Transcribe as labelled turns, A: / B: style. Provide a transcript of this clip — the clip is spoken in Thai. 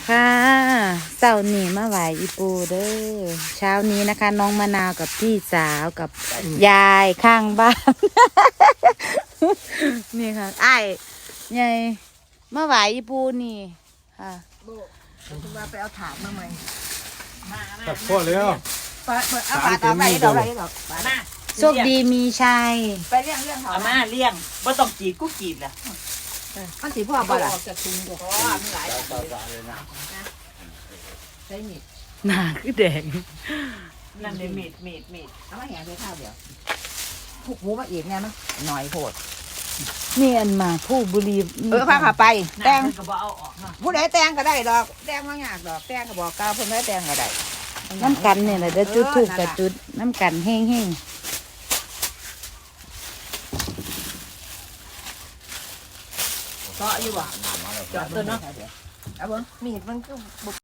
A: ค่ะเช้านี้มาไหวอีปูเด้อเช้านี้นะคะ น้องมะนาวกับพี่สาวกับยายข้างบ้าน นี่ค่ะไอ้ยายมาไหวอีปูนี่ค่ะ
B: คุณว่าไปเอาถาดมาใหม่
C: ตัดข้อแล้ว
B: เปิดเอาถาดเอาไปดอกอะไรดอก
D: มา
A: โชคดีมีชัย
B: ไปเรื่องเขา
D: เอามาเลี้ยงบ่ต้องจีบกูจีบล่ะ
B: มันสีพ่อบ่ล่ะ
D: จะทุนบ่มีหลาย
B: ใช้มีด
A: หนาคือแดง
D: นั่นเลยมีด
B: เอามาแหงไปข้าวเดียวผูกหมูมาอีกเนี่ยมันหน่อยโหด
A: นี่อันมาผู้บุรี
B: พาขาไปแตง
D: ก็บ่เอาออกเนาะ
B: ผู้ใดแตงก็ได้ดอกแตงไม่ยากดอกแตงก็บอกกล่าวเพิ่นได้แตงก็ได้
A: น้ำกันเนี่ยแหละเด้อจุดถูกกับจุดน้ำกันแห้ง
B: เจาะอยู่บ่เจาะตัวเนาะเอาเบิ่งมีดมันก็